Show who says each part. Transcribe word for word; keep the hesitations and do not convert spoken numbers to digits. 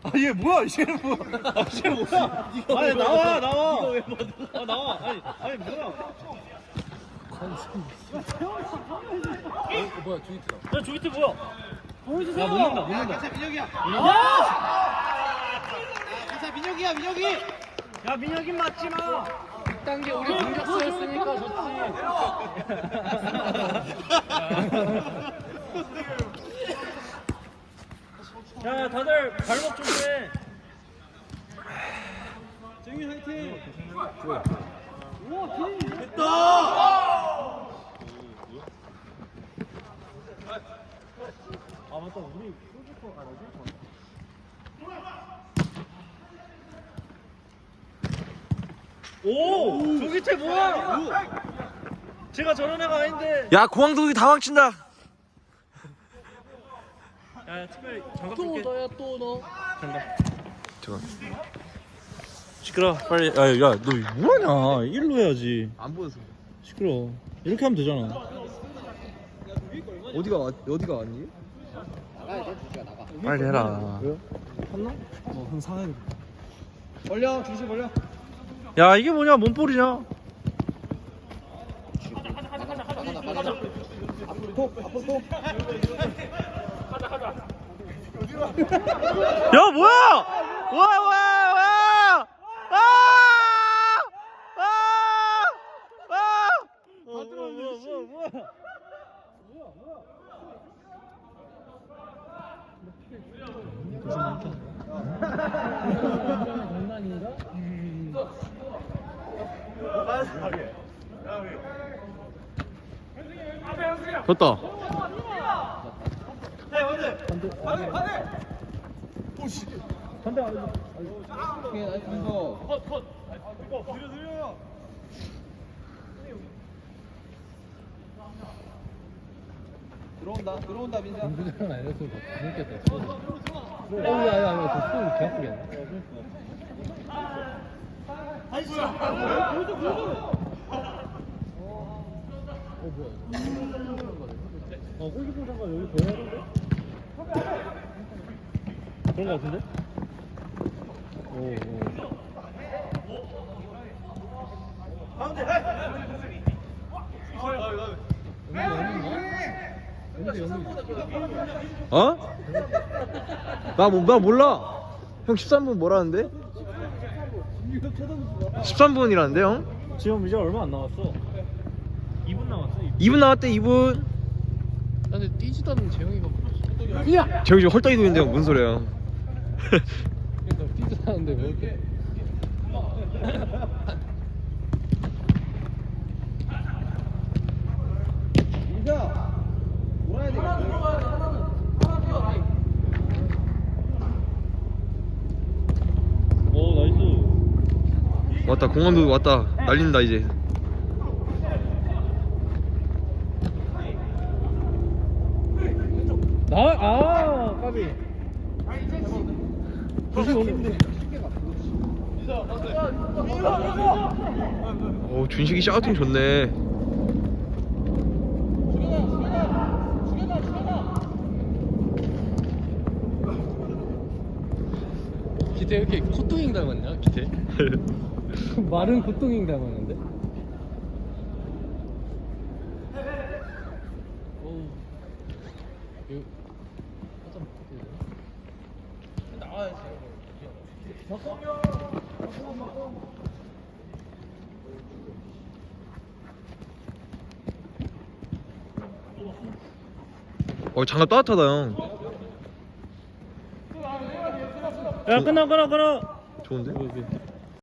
Speaker 1: 아, 얘 뭐야, 얘는 뭐야? 아, 얘 뭐야? 아니, 나와, 나와. 이거 왜 아, 나와. 아니, 아니, 뭐야?
Speaker 2: 어, 뭐야 조이트다.
Speaker 1: 야, 조이트 뭐야? 보여주세요. 야, 못 넣는다, 못 넣는다.
Speaker 3: 괜찮아 민혁이야.
Speaker 1: 아!
Speaker 3: 괜찮아 민혁이야 민혁이.
Speaker 1: 야, 민혁이 맞지 마.
Speaker 2: 일 단계 우리 공격수였으니까 좋지.
Speaker 1: 야, 다들 발목 조심해.
Speaker 3: 정민 화이팅.
Speaker 1: 아, 맞다. 우리 골키퍼 알아지? 오! 조기태 뭐야? 제가 저런 애가 아닌데.
Speaker 4: 야 공항도둑이 다 망친다.
Speaker 1: 야, 특별히 장갑
Speaker 2: 또
Speaker 1: 줄게.
Speaker 2: 너야 또 너.
Speaker 1: 장갑.
Speaker 4: 잠깐. 시끄러. 빨리. 야야 너 뭐하냐? 일로 해야지.
Speaker 2: 안 보여서.
Speaker 4: 시끄러. 이렇게 하면 되잖아.
Speaker 2: 어디가 왔 어디가 왔니?
Speaker 4: 빨리 해라.
Speaker 2: 어한 상해. 벌려 중심 벌려.
Speaker 4: 야 이게 뭐냐? 몸볼이냐?
Speaker 2: 톡 앞으로 톡.
Speaker 4: 야 뭐야? 와 와 와! 아! 아! 아!
Speaker 1: 다 들어왔네. 뭐야, 뭐야, 뭐야.
Speaker 2: 장난인가?
Speaker 4: 됐다.
Speaker 2: 오케이 나이스 민서. 들어온다 들어온다 민서. 민서랑 알렸으면 더 재밌겠다. 어 야야야 저 손 개 아프겠네. 어 뭐야?
Speaker 1: 어, 골키퍼 잠깐 여기 보여야 되는데? 그런 거 같은데? 오, 오.
Speaker 4: 어? 나, 뭐, 나 몰라. 형 십삼 분 뭐라는데? 십삼 분이라는데 형?
Speaker 1: 지금 이제 얼마 안 남았어. 이 분 남았어. 이 분.
Speaker 4: 이 분 남았대 이 분.
Speaker 2: 나 근데 뛰지도 않는 재영이가 보였어. 야!
Speaker 4: 저기 지금 헐떡이 도는데 형 무슨 소리야?
Speaker 2: 그러니까 뛰지도 않는데 왜 이렇게? 민서! 몰아야 되겠다.
Speaker 1: 오, 나이스.
Speaker 4: 왔다 공항도 왔다 날린다 이제.
Speaker 1: 나, 아, 까비.
Speaker 4: 오 준식이 샤우팅 좋네.
Speaker 2: 기태 왜 이렇게 코뚱잉 닮았냐 기태? 말은 코뚱잉 닮았는데? 어우 이거 하자 나와야지.
Speaker 4: 어 장갑 따뜻하다 형.
Speaker 1: 야, 끊어, 끊어, 끊어.
Speaker 4: 좋은데?